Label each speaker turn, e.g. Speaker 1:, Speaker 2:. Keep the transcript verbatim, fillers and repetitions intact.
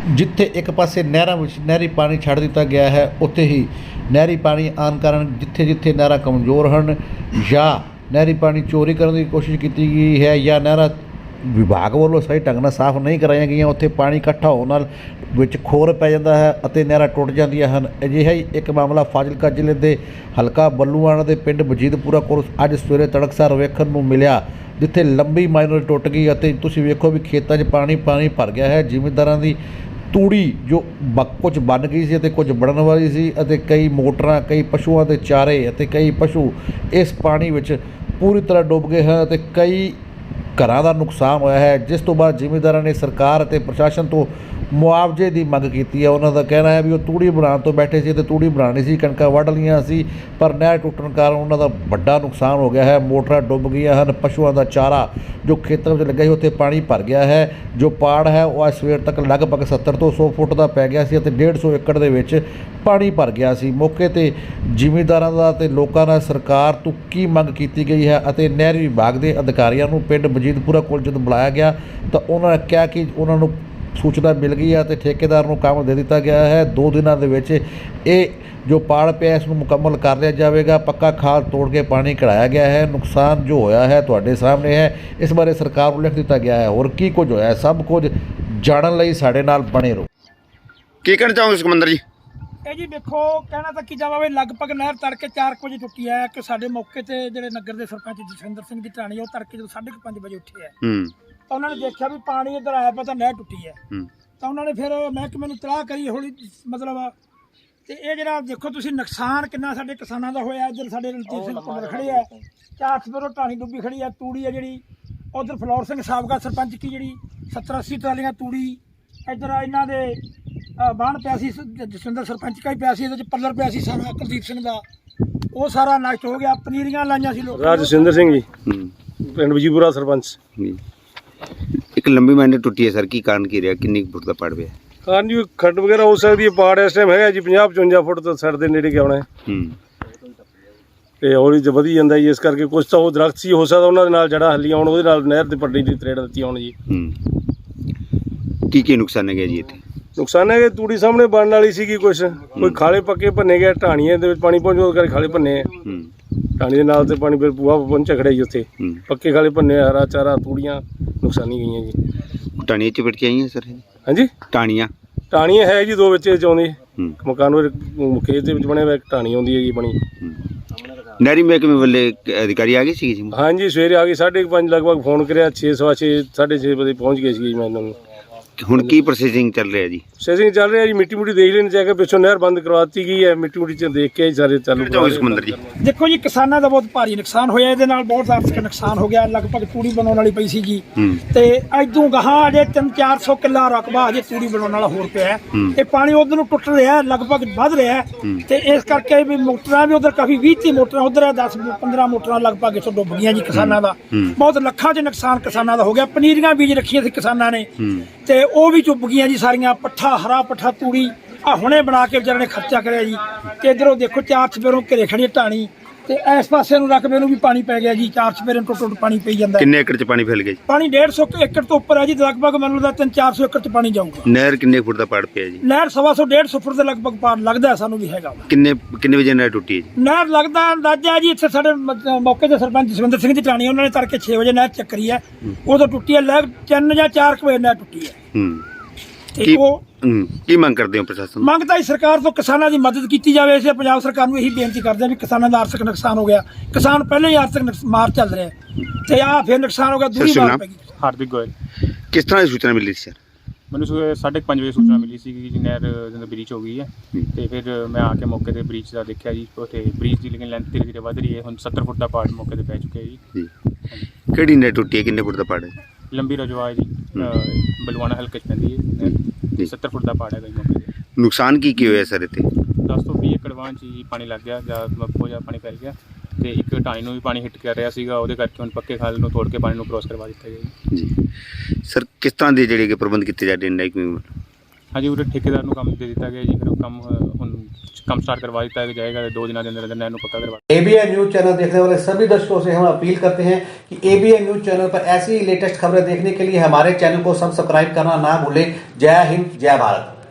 Speaker 1: ਜਿੱਥੇ ਇੱਕ ਪਾਸੇ ਨਹਿਰਾਂ ਵਿੱਚ ਨਹਿਰੀ ਪਾਣੀ ਛੱਡ ਦਿੱਤਾ ਗਿਆ ਹੈ, ਉੱਥੇ ਹੀ ਨਹਿਰੀ ਪਾਣੀ ਆਉਣ ਕਾਰਨ ਜਿੱਥੇ ਜਿੱਥੇ ਨਹਿਰਾਂ ਕਮਜ਼ੋਰ ਹਨ ਜਾਂ ਨਹਿਰੀ ਪਾਣੀ ਚੋਰੀ ਕਰਨ ਦੀ ਕੋਸ਼ਿਸ਼ ਕੀਤੀ ਗਈ ਹੈ ਜਾਂ ਨਹਿਰਾਂ ਵਿਭਾਗ ਵੱਲੋਂ ਸਹੀ ਢੰਗ ਨਾਲ ਸਾਫ਼ ਨਹੀਂ ਕਰਾਈਆਂ ਗਈਆਂ, ਉੱਥੇ ਪਾਣੀ ਇਕੱਠਾ ਹੋਣ ਨਾਲ ਵਿੱਚ ਖੋਰ ਪੈ ਜਾਂਦਾ ਹੈ ਅਤੇ ਨਹਿਰਾਂ ਟੁੱਟ ਜਾਂਦੀਆਂ ਹਨ। ਅਜਿਹਾ ਹੀ ਇੱਕ ਮਾਮਲਾ ਫਾਜ਼ਿਲਕਾ ਜ਼ਿਲ੍ਹੇ ਦੇ ਹਲਕਾ ਬੱਲੂਆਣਾ ਦੇ ਪਿੰਡ ਵਜੀਦਪੁਰਾ ਕੋਲ ਅੱਜ ਸਵੇਰੇ ਤੜਕਸਾਰ ਵੇਖਣ ਨੂੰ ਮਿਲਿਆ, ਜਿੱਥੇ ਲੰਬੀ ਮਾਈਨਰ ਟੁੱਟ ਗਈ ਅਤੇ ਤੁਸੀਂ ਵੇਖੋ ਵੀ ਖੇਤਾਂ 'ਚ ਪਾਣੀ ਪਾਣੀ ਭਰ ਗਿਆ ਹੈ। ਜ਼ਿਮੀਂਦਾਰਾਂ ਦੀ ਤੂੜੀ ਜੋ ਬ ਕੁਝ ਬਣ ਗਈ ਸੀ ਅਤੇ ਕੁਝ ਬਣਨ ਵਾਲੀ ਸੀ ਅਤੇ ਕਈ ਮੋਟਰਾਂ, ਕਈ ਪਸ਼ੂਆਂ ਦੇ ਚਾਰੇ ਅਤੇ ਕਈ ਪਸ਼ੂ ਇਸ ਪਾਣੀ ਵਿੱਚ ਪੂਰੀ ਤਰ੍ਹਾਂ ਡੁੱਬ ਗਏ ਹਨ ਅਤੇ ਕਈ ਘਰਾਂ ਦਾ ਨੁਕਸਾਨ ਹੋਇਆ ਹੈ, ਜਿਸ ਤੋਂ ਬਾਅਦ ਜ਼ਿਮੀਂਦਾਰਾਂ ਨੇ ਸਰਕਾਰ ਅਤੇ ਪ੍ਰਸ਼ਾਸਨ ਤੋਂ ਮੁਆਵਜ਼ੇ ਦੀ ਮੰਗ ਕੀਤੀ ਹੈ। ਉਹਨਾਂ ਦਾ ਕਹਿਣਾ ਹੈ ਵੀ ਉਹ ਤੂੜੀ ਬਣਾਉਣ ਤੋਂ ਬੈਠੇ ਸੀ ਅਤੇ ਤੂੜੀ ਬਣਾਉਣੀ ਸੀ, ਕਣਕਾਂ ਵੱਢ ਲਈਆਂ ਸੀ, ਪਰ ਨਹਿਰ ਟੁੱਟਣ ਕਾਰਨ ਉਹਨਾਂ ਦਾ ਵੱਡਾ ਨੁਕਸਾਨ ਹੋ ਗਿਆ ਹੈ। ਮੋਟਰਾਂ ਡੁੱਬ ਗਈਆਂ ਹਨ, ਪਸ਼ੂਆਂ ਦਾ ਚਾਰਾ ਜੋ ਖੇਤਾਂ ਵਿੱਚ ਲੱਗਾ ਸੀ ਉੱਥੇ ਪਾਣੀ ਭਰ ਗਿਆ ਹੈ। ਜੋ ਪਾੜ ਹੈ ਉਹ ਅੱਜ ਸਵੇਰ ਤੱਕ ਲਗਭਗ ਸੱਤਰ ਤੋਂ ਸੌ ਫੁੱਟ ਦਾ ਪੈ ਗਿਆ ਸੀ ਅਤੇ ਡੇਢ ਸੌ ਏਕੜ ਦੇ ਵਿੱਚ ਪਾਣੀ ਭਰ ਗਿਆ ਸੀ। ਮੌਕੇ 'ਤੇ ਜ਼ਿਮੀਂਦਾਰਾਂ ਦਾ ਅਤੇ ਲੋਕਾਂ ਨਾਲ ਸਰਕਾਰ ਤੋਂ ਕੀ ਮੰਗ ਕੀਤੀ ਗਈ ਹੈ ਅਤੇ ਨਹਿਰੀ ਵਿਭਾਗ ਦੇ ਅਧਿਕਾਰੀਆਂ ਨੂੰ ਪਿੰਡ ਵਜੀਦਪੁਰਾ ਕੋਲ ਜਦੋਂ ਬੁਲਾਇਆ ਗਿਆ ਤਾਂ ਉਹਨਾਂ ਨੇ ਕਿਹਾ ਕਿ ਉਹਨਾਂ ਨੂੰ ਸੂਚਨਾ ਮਿਲ ਗਈ ਹੈ ਅਤੇ ਠੇਕੇਦਾਰ ਨੂੰ ਕੰਮ ਦੇ ਦਿੱਤਾ ਗਿਆ ਹੈ। ਦੋ ਦਿਨਾਂ ਦੇ ਵਿੱਚ ਇਹ ਜੋ ਪਾੜ ਪਿਆ ਇਸ ਨੂੰ ਮੁਕੰਮਲ ਕਰ ਲਿਆ ਜਾਵੇਗਾ। ਪੱਕਾ ਖਾਲ ਤੋੜ ਕੇ ਪਾਣੀ ਕਢਾਇਆ ਗਿਆ ਹੈ। ਨੁਕਸਾਨ ਜੋ ਹੋਇਆ ਹੈ ਤੁਹਾਡੇ ਸਾਹਮਣੇ ਹੈ, ਇਸ ਬਾਰੇ ਸਰਕਾਰ ਨੂੰ ਲਿਖ ਦਿੱਤਾ ਗਿਆ ਹੈ। ਹੋਰ ਕੀ ਕੁਝ ਹੋਇਆ, ਸਭ ਕੁਝ ਜਾਣਨ ਲਈ ਸਾਡੇ ਨਾਲ ਬਣੇ ਰਹੋ।
Speaker 2: ਕੀ ਕਹਿਣਾ ਚਾਹੋਗੇ ਸਿਕੰਦਰ ਜੀ?
Speaker 3: ਇਹ ਜੀ ਦੇਖੋ, ਕਹਿਣਾ ਤਾਂ ਕੀ ਜਾਵੇ, ਲਗਭਗ ਨਹਿਰ ਤੜਕੇ ਚਾਰ ਕੁ ਵਜੇ ਟੁੱਟੀ ਹੈ ਕਿ ਸਾਡੇ ਮੌਕੇ ਤੇ ਜਿਹੜੇ ਨਗਰ ਦੇ ਸਰਪੰਚ ਜਸਵਿੰਦਰ ਸਿੰਘ ਦੀ ਢਾਣੀ ਉਹ ਤੜਕੇ ਜਦੋਂ ਸਾਢੇ ਕੁ ਪੰਜ ਵਜੇ ਉੱਠੇ ਹੈ
Speaker 2: ਹੂੰ
Speaker 3: ਤਾਂ ਉਹਨਾਂ ਨੇ ਦੇਖਿਆ ਵੀ ਪਾਣੀ ਇੱਧਰ ਆਇਆ ਪਿਆ ਤਾਂ ਨਹਿਰ ਟੁੱਟੀ ਹੈ।
Speaker 2: ਹੂੰ
Speaker 3: ਤਾਂ ਉਹਨਾਂ ਨੇ ਫਿਰ ਮਹਿਕਮੇ ਨੂੰ ਤਲਾਹ ਕਰੀ ਹੌਲੀ, ਮਤਲਬ ਤੇ ਇਹ ਜਿਹੜਾ ਦੇਖੋ ਤੁਸੀਂ ਨੁਕਸਾਨ ਕਿੰਨਾ ਸਾਡੇ ਕਿਸਾਨਾਂ ਦਾ ਹੋਇਆ। ਇੱਧਰ ਸਾਡੇ ਰਣਜੀਤ ਸਿੰਘ ਪੁੱਤਰ ਖੜੇ ਹੈ, ਚਾਰ ਸਪਰੋ ਢਾਣੀ ਡੁੱਬੀ ਖੜੀ ਹੈ, ਤੂੜੀ ਹੈ ਜਿਹੜੀ ਉਧਰ ਫਲੋਰ ਸਿੰਘ ਸਾਬਕਾ ਸਰਪੰਚ ਕੀ ਜਿਹੜੀ ਸੱਤਰ ਅੱਸੀ ਟਰਾਲੀਆਂ ਤੂੜੀ, ਇੱਧਰ ਇਹਨਾਂ ਦੇ ਬਾਣ ਪਿਆ ਸੀ, ਜਸਵਿੰਦਰ ਸਰਪੰਚ ਕਾ ਹੀ ਪਿਆ ਸੀ, ਇਹਦੇ ਚ ਪੱਲਰ ਪਿਆ ਸੀ ਸਾਰਾ ਕੁਲਦੀਪ ਸਿੰਘ ਦਾ, ਉਹ ਸਾਰਾ ਨਸ਼ਟ ਹੋ ਗਿਆ। ਪਨੀਰੀਆਂ ਲਾਈਆਂ ਸੀ ਲੋਕਾਂ
Speaker 4: ਰਾਜ ਜਸਵਿੰਦਰ ਸਿੰਘ ਜੀ, ਪਿੰਡ ਵਜੀਦਪੁਰਾ ਸਰਪੰਚ।
Speaker 2: ਇੱਕ ਲੰਬੀ ਮਾਈਨਰ ਟੁੱਟੀ ਹੈ ਸਰ, ਕੀ ਕਾਰਨ ਕੀ ਰਿਹਾ, ਕਿੰਨੀ ਫੁੱਟ ਦਾ ਪਾੜ ਪਿਆ?
Speaker 4: ਕਾਰਨ ਜੀ ਖੱਡ ਵਗੈਰਾ ਹੋ ਸਕਦੀ ਹੈ। ਪਾੜ ਇਸ ਟਾਈਮ ਹੈਗਾ ਜੀ ਪੰਜਾਹ ਪਚਵੰਜਾ ਫੁੱਟ ਤੋਂ ਸਿਰ ਦੇ ਨੇੜੇ ਗਿਆ ਹੋਣਾ
Speaker 2: ਹੂੰ
Speaker 4: ਤੇ ਹੌਲੀ ਚ ਵਧੀ ਜਾਂਦਾ ਜੀ। ਇਸ ਕਰਕੇ ਕੁਛ ਤਾਂ ਉਹ ਦਰਖਤ ਸੀ, ਹੋ ਸਕਦਾ ਉਹਨਾਂ ਦੇ ਨਾਲ ਜੜਾ ਹੱਲੀ ਆਉਣ, ਉਹਦੇ ਨਾਲ ਨਹਿਰ ਦੇ ਪੱਟੀ ਦੀ ਤਰੇੜ ਦਿੱਤੀ ਆਉਣ ਜੀ।
Speaker 2: ਹੂੰ ਕੀ ਕੀ ਨੁਕਸਾਨ ਹੈ ਗਿਆ ਜੀ ਇੱਥੇ?
Speaker 4: ਨੁਕਸਾਨ ਹੈ ਕਿ ਤੂੜੀ ਸਾਹਮਣੇ ਬਣਨ ਵਾਲੀ ਸੀਗੀ, ਕੁਛ ਕੋਈ ਖਾਲੇ ਪੱਕੇ ਭੰਨੇ ਗਏ, ਢਾਣੀਆਂ ਦੇ ਵਿੱਚ ਪਾਣੀ ਪਹੁੰਚੋ ਕਰਕੇ ਖਾਲੇ ਭੰਨੇ ਆ।
Speaker 2: ਹੂੰ
Speaker 4: ਢਾਣੀ ਦੇ ਨਾਲ ਤੇ ਪਾਣੀ ਫਿਰ ਪੂਆ ਪਹੁੰਚਿਆ ਖੜਿਆ ਜੀ ਉੱਥੇ,
Speaker 2: ਹੂੰ
Speaker 4: ਪੱਕੇ ਖਾਲੇ ਭੰਨੇ, ਹਰਾ ਚਾਰਾ ਤੂੜੀਆਂ ਨੁਕਸਾਨੀ ਗਈਆਂ ਜੀ।
Speaker 2: ਟਾਣੀਆਂ ਚ ਪਿਟ ਕੇ ਆਈਆਂ ਸਰ?
Speaker 4: ਹਾਂਜੀ
Speaker 2: ਟਾਣੀਆਂ
Speaker 4: ਢਾਣੀਆਂ ਹੈ ਜੀ, ਦੋ ਵਿੱਚ ਆਉਂਦੀ
Speaker 2: ਹੂੰ
Speaker 4: ਮਕਾਨ ਵਿੱਚ ਖੇਤ ਦੇ ਵਿੱਚ ਬਣਿਆ ਹੋਇਆ ਇੱਕ ਢਾਣੀ ਆਉਂਦੀ ਹੈਗੀ ਬਣੀ।
Speaker 2: ਨਹਿਰੀ ਮਹਿਕਮੇ ਵੱਲੇ ਅਧਿਕਾਰੀ ਆ ਗਏ ਸੀ ਜੀ?
Speaker 4: ਹਾਂਜੀ ਸਵੇਰੇ ਆ ਗਏ, ਸਾਢੇ ਕੁ ਪੰਜ ਲਗਭਗ ਫੋਨ ਕਰਿਆ, ਛੇ ਸਵਾ ਛੇ ਸਾਢੇ ਛੇ ਵਜੇ ਪਹੁੰਚ ਗਏ ਸੀ ਮੈਂ ਇਹਨਾਂ ਨੂੰ।
Speaker 2: ਹੁਣ ਕੀ ਪ੍ਰੋਸੈਸਿੰਗ ਚੱਲ ਰਿਹਾ ਜੀ?
Speaker 4: ਪ੍ਰੋਸੈਸਿੰਗ ਚੱਲ ਰਿਹਾ ਜੀ, ਮਿੱਟੀ ਮੁੱਟੀ ਦੇਖ ਲੈਣ ਜਾ ਕੇ, ਪਿੱਛੋਂ ਨਹਿਰ ਬੰਦ ਕਰਵਾਤੀ ਗਈ ਹੈ, ਮਿੱਟੀ ਮੁੱਟੀ ਚ ਦੇਖ ਕੇ ਸਾਰੇ ਚਾਲੂ ਕਰਵਾ ਰਹੇ।
Speaker 2: ਸਮੁੰਦਰ ਜੀ
Speaker 3: ਦੇਖੋ ਜੀ, ਕਿਸਾਨਾਂ ਦਾ ਬਹੁਤ ਭਾਰੀ ਨੁਕਸਾਨ ਹੋਇਆ, ਇਹਦੇ ਨਾਲ ਬਹੁਤ ਆਰਥਿਕ ਨੁਕਸਾਨ ਹੋ ਗਿਆ। ਲਗਭਗ ਤੂੜੀ ਬਣਾਉਣ ਵਾਲੀ ਪਈ ਸੀ ਜੀ, ਤੇ ਇਦੋਂ ਗਾਹਾਂ ਅਜੇ ਤਿੰਨ ਚਾਰ ਸੌ ਕਿੱਲਾ ਰਕਬਾ ਅਜੇ ਤੂੜੀ ਬਣਾਉਣ ਵਾਲਾ ਹੋਰ ਪਿਆ। ਇਹ ਪਾਣੀ ਉਧਰ ਨੂੰ ਟੁੱਟ ਰਿਹਾ, ਲਗਭਗ ਵੱਧ ਰਿਹਾ, ਤੇ ਇਸ ਕਰਕੇ ਵੀ ਮੋਟਰਾਂ ਵੀ ਉਧਰ ਕਾਫੀ ਵੀਹ ਤੀਹ ਮੋਟਰਾਂ ਉਧਰ ਹੈ, ਦਸ ਪੰਦਰਾਂ ਮੋਟਰਾਂ ਲਗਭਗ ਇੱਥੋਂ ਡੁੱਬ ਗਈਆਂ ਜੀ ਕਿਸਾਨਾਂ ਦਾ। ਬਹੁਤ ਲੱਖਾਂ 'ਚ ਨੁਕਸਾਨ ਕਿਸਾਨਾਂ ਦਾ ਹੋ ਗਿਆ। ਪਨੀਰੀਆਂ ਬੀਜ ਰੱਖੀਆਂ ਸੀ ਕਿਸਾਨਾਂ ਨੇ ਤੇ ਉਹ ਵੀ ਚੁੱਪ ਗਈਆਂ ਜੀ ਸਾਰੀਆਂ। ਪੱਠਾ ਹਰਾ ਪੱਠਾ ਤੂੜੀ ਆ ਹੁਣੇ ਬਣਾ ਕੇ ਵਿਚਾਰੇ ਨੇ ਖਰਚਾ ਕਰਿਆ ਜੀ। ਤੇ ਇਧਰੋਂ ਦੇਖੋ ਚਾਰ ਚਪੇਰੋਂ ਘਰੇ ਖੜੀ ਢਾਣੀ ਤੇ ਇਸ ਪਾਸੇ ਨੂੰ ਰਕਬੇ ਨੂੰ ਵੀ ਪਾਣੀ ਪੈ ਗਿਆ ਜੀ। ਚਾਰ ਚਪੇਰੇ ਟੁੱਟ ਟੁੱਟ ਪਾਣੀ ਪਈ ਜਾਂਦਾ।
Speaker 2: ਕਿੰਨੇ ਏਕੜ ਚ ਪਾਣੀ ਫੈਲ ਗਿਆ ਜੀ?
Speaker 3: ਪਾਣੀ ਡੇਢ ਸੌ ਏਕੜ ਤੋਂ ਉੱਪਰ ਹੈ ਜੀ, ਲਗਭਗ ਮੈਨੂੰ ਲੱਗਦਾ ਤਿੰਨ ਚਾਰ ਸੌ ਏਕੜ ਚ ਪਾਣੀ ਜਾਊਗਾ।
Speaker 2: ਨਹਿਰ ਕਿੰਨੇ ਫੁੱਟ ਦਾ ਪਾੜ ਪਿਆ ਜੀ?
Speaker 3: ਨਹਿਰ ਸਵਾ ਸੌ ਡੇਢ ਸੌ ਫੁੱਟ ਦੇ ਲਗਭਗ ਪਾੜ ਲੱਗਦਾ ਸਾਨੂੰ ਵੀ ਹੈਗਾ।
Speaker 2: ਕਿੰਨੇ ਕਿੰਨੇ ਵਜੇ ਨਹਿਰ ਟੁੱਟੀ ਹੈ ਜੀ?
Speaker 3: ਨਹਿਰ ਲੱਗਦਾ ਅੰਦਾਜ਼ਾ ਜੀ, ਇੱਥੇ ਸਾਡੇ ਮੌਕੇ ਦੇ ਸਰਪੰਚ ਜਸਵਿੰਦਰ ਸਿੰਘ ਦੀ ਢਾਣੀ, ਉਹਨਾਂ ਨੇ ਤੜਕੇ ਛੇ ਵਜੇ ਨਹਿਰ ਚੱਕਰੀ ਹੈ, ਉਦੋਂ ਟੁੱਟੀ ਹੈ। ਲੈ ਤਿੰਨ ਜਾਂ ਚਾਰ ਕੁ ਵਜੇ ਨਹਿਰ ਟੁੱਟੀ ਹੈ।
Speaker 2: ਹੂੰ
Speaker 3: ਤੇ ਉਹ
Speaker 2: ਕੀ ਮੰਗ ਕਰਦੇ ਹੋ ਪ੍ਰਸ਼ਾਸਨ?
Speaker 3: ਮੰਗ ਤਾਂ ਸਰਕਾਰ ਤੋਂ ਕਿਸਾਨਾਂ ਦੀ ਮਦਦ ਕੀਤੀ ਜਾਵੇ। ਅਸੀਂ ਪੰਜਾਬ ਸਰਕਾਰ ਨੂੰ ਇਹੀ ਬੇਨਤੀ ਕਰਦੇ ਹਾਂ ਵੀ ਕਿਸਾਨਾਂ ਦਾ ਆਰਥਿਕ ਨੁਕਸਾਨ ਹੋ ਗਿਆ। ਕਿਸਾਨ ਪਹਿਲਾਂ ਹੀ ਆਰਥਿਕ ਮਾਰ ਚੱਲ ਰਿਹਾ ਤੇ ਆਹ ਫਿਰ ਨੁਕਸਾਨ ਹੋ ਗਿਆ, ਦੂਰੀ ਮਾਰ ਪੈ ਗਈ।
Speaker 5: ਹਾਰਦਿਕ ਗੋਇਲ।
Speaker 2: ਕਿਸ ਤਰ੍ਹਾਂ ਦੀ ਸੂਚਨਾ ਮਿਲੀ ਸੀ ਸਰ?
Speaker 5: ਮੈਨੂੰ ਸਾਢੇ ਕੁ ਪੰਜ ਵਜੇ ਸੂਚਨਾ ਮਿਲੀ ਸੀ ਕਿ ਨਹਿਰ ਜਦੋਂ ਬ੍ਰੀਚ ਹੋ ਗਈ ਹੈ, ਤੇ ਫਿਰ ਮੈਂ ਆ ਕੇ ਮੌਕੇ ਤੇ ਬ੍ਰੀਚ ਦਾ ਦੇਖਿਆ ਜੀ। ਉੱਥੇ ਬ੍ਰੀਚ ਦੀ ਲੇਕਿਨ ਲੈਂਥ ਧੀਰੇ ਧੀਰੇ ਵੱਧ ਰਹੀ ਹੈ। ਹੁਣ ਸੱਤਰ ਫੁੱਟ ਦਾ ਪਾੜ ਮੌਕੇ ਤੇ ਪੈ ਚੁੱਕਿਆ ਜੀ।
Speaker 2: ਜੀ ਕਿਹੜੀ ਨਹਿਰ ਟੁੱਟੀ ਹੈ, ਕਿੰਨੇ ਫੁੱਟ ਦਾ ਪਾੜ ਹੈ?
Speaker 5: ਲੰਬੀ ਰਜਵਾ ਹੈ ਜੀ, ਬਲਵਾਣਾ ਹਲਕੇ 'ਚ ਪੈਂਦੀ ਹੈ ਜੀ। ਸੱਤਰ ਫੁੱਟ ਦਾ ਪਾੜ ਹੈਗਾ ਜੀ ਮੌਕੇ ਤੇ।
Speaker 2: ਨੁਕਸਾਨ ਕੀ ਕੀ ਹੋਇਆ ਸਰ ਇੱਥੇ?
Speaker 5: ਦਸ ਤੋਂ ਵੀਹ ਏਕੜ ਵਾਂ 'ਚ ਜੀ ਪਾਣੀ ਲੱਗ ਗਿਆ, ਜਾਂ ਬਹੁਤ ਜ਼ਿਆਦਾ ਪਾਣੀ ਫੈਲ ਗਿਆ, ਤੇ ਇੱਕ ਢਾਣੀ ਨੂੰ ਵੀ ਪਾਣੀ ਹਿੱਟ ਕਰ ਰਿਹਾ ਸੀਗਾ, ਉਹਦੇ ਕਰਕੇ ਹੁਣ ਪੱਕੇ ਖਾਲ ਨੂੰ ਤੋੜ ਕੇ ਪਾਣੀ ਨੂੰ ਕ੍ਰੋਸ ਕਰਵਾ ਦਿੱਤਾ ਗਿਆ ਜੀ।
Speaker 2: ਜੀ ਸਰ, ਕਿਸ ਤਰ੍ਹਾਂ ਦੇ ਜਿਹੜੇ ਕਿ ਪ੍ਰਬੰਧ ਕੀਤੇ ਜਾਂਦੇ ਨੇ ਮਹਿਕਮੇ ਵੱਲੋਂ?
Speaker 5: ਹਾਂਜੀ ਉਰੇ ਠੇਕੇਦਾਰ ਨੂੰ ਕੰਮ ਦੇ ਦਿੱਤਾ ਗਿਆ ਜੀ, ਫਿਰ ਉਹ ਕੰਮ ਅ, ਹੁਣ ਕੰਮ स्टार्ट करवा दिया जाएगा, दो दिनों के अंदर अंदर नहर को पक्का करवा।
Speaker 6: एबीएन न्यूज चैनल देखने वाले सभी दर्शकों से हम अपील करते हैं कि एबीएन न्यूज चैनल पर ऐसी लेटेस्ट खबरें देखने के लिए हमारे चैनल को सब्सक्राइब करना ना भूलें। जय हिंद, जय भारत।